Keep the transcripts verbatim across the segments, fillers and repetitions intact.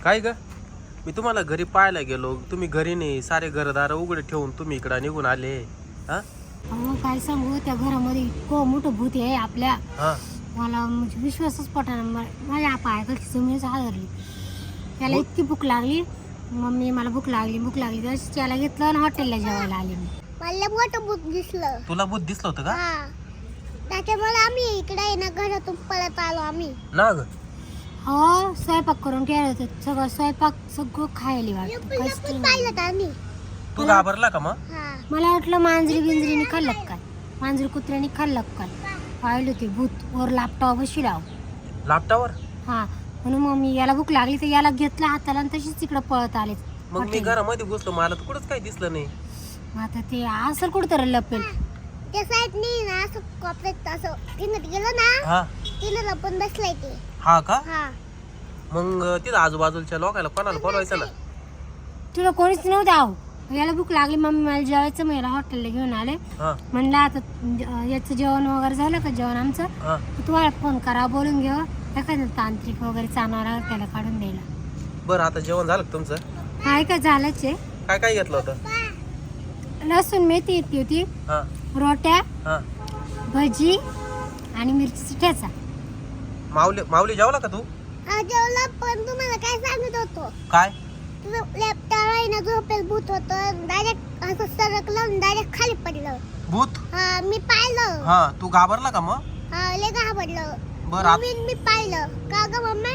काय ग? मी तुम्हाला घरी पाहायला गेलो, तुम्ही घरी नाही, सारे घरदार उघडे ठेवून तुम्ही इकडे निघून आले. हा अहो काय सांगू, त्या घरामध्ये इतकं मोठं भूत आहे आपल्या. हा मला म्हणजे विश्वासच पटाना. माझ्या पायाखाली जमीनच हादरली. त्याला इतकी भूक लागली. मम्मी मला भूक लागली भूक लागली तसंच त्याला घेतलं आणि हॉटेलला जेवायला आले मी. मला मोठं भूत दिसलं. तुला भूत दिसलं होतं का? हा, त्याच्यामुळे आम्ही इकडे आहे ना घरातून पळत आलो आम्ही. ना ग हो, स्वयंपाक करून ठेवलं होतं. सगळं स्वयंपाक सगळं खायला वाटतं. काहीच लपून नाही. पाहिलं तर आम्ही. तू घाबरला का मग? हा, मला वाटलं मांजरी बिंजरीने खाल्लं काय, मांजरी कुत्र्याने खाल्लं काय. पाहिलं ते भूत वर लापटावर बशी राव. लापटावर? हा, म्हणून मग मी याला भूक लागली तर याला घेतलं हाताला आणि तशीच तिकडं पळत आले. मग मी घरामध्ये घुसलो, मला तर कुठंच काही दिसलं नाही. मग आता ते असं कुठं लपेल. त्या साईडनी ना असं कॉपरेट असं तिनं गेलं ना, हा तिनं लपून बसलाय ते. हा का? हा, मग तिथं आजूबाजूच्या लोकांना कोणाला बोलवायचं ना. तुला कोणीच नव्हतं. आहो, याला भूक लागली मम्मी मला जेवायचं, मग याला हॉटेलला घेऊन आले. हा म्हणलं आता अं, याचं जेवण वगैरे झालं का जेवण आमचं, हा तुम्हाला फोन करा बोलून घेऊ. एखादं तांत्रिक वगैरे चालणार त्याला काढून द्यायला. बरं, आता जेवण झालं का तुमचं? काय काय झालंच आहे. काय काय घेतलं होतं? लसूण मेथी येते होती, हा रोट्या, हा भजी आणि मिरची ठेचा. माऊली माऊली जेवला का तू? हा जेवला. पण तुम्हाला काय सांगत होतो, काय? तुझं लॅपटॉप आहे ना झोपेल भूत होतं. डायरेक्ट असं सरकलं डायरेक्ट खाली पडलं. भूत? हा, मी पाहिलं. हा, तू घाबरला का मग? हा, लय घाबरलं. बरं आत- मम्मी मी पाहिलं. का ग मम्मी?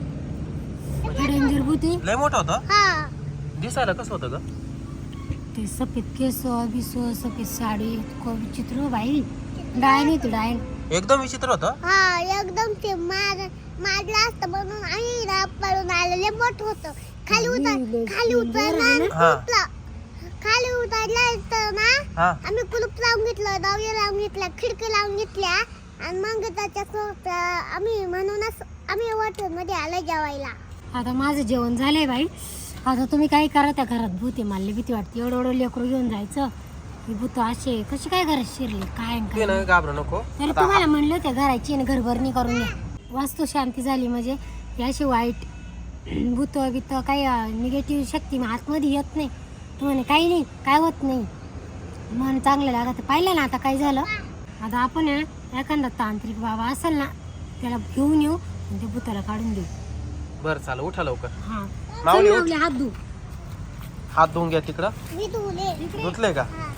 डेंजर भूती. लय मोठं होतं? हा, दिसायला कसं होतं ग? ते सफेद केस बिस सफेद साडी इतकं विचित्र हो बाई. डायन होती डायन. एकदम विचित्र होतं. हा, एकदम ते मार मारलं असतं म्हणून आम्ही ना पळून आलेले मोठ होतं. खाली उतर खाली उतरला हा. खाली उतरला तर ना हा आम्ही कुलूप लावून घेतलं, दरवाजा लावून घेतला, खिडकी लावून घेतल्या आणि मग त्याच्यासोबत आम्ही म्हणूनच आम्ही हॉटेल मध्ये आलो जेवायला. आता माझं जेवण झालंय बाई. आता तुम्ही काय करा, त्या घरात भूत आहे. मला भीती वाटते. एवढं एवढं लेकरू घेऊन जायचं. ही भूत असे कशी काय घरात शिरले काय ते काय. नाही, घाबरू नको. तरी आता तुम्हाला म्हणलं त्या घराची आणि घरभरणी करून घ्या. वास्तू शांती झाली म्हणजे याशी वाईट भूत बित काही निगेटिव्ह शक्ती मग आतमध्ये येत नाही. तुम्हाला काही नाही, काय होत नाही. मन चांगलं लागत. पाहिलं ना आता काय झालं. आता आपण आहे ना एखादा तांत्रिक बाबा असेल ना, त्याला घेऊन येऊ आणि त्या भूताला काढून देऊ. बरं चाल, उठा लवकर. हा, माऊली चल उठ. माऊली, हात धू. हात धुवून घ्या तिकडं. मी तुले धुतले का? हा.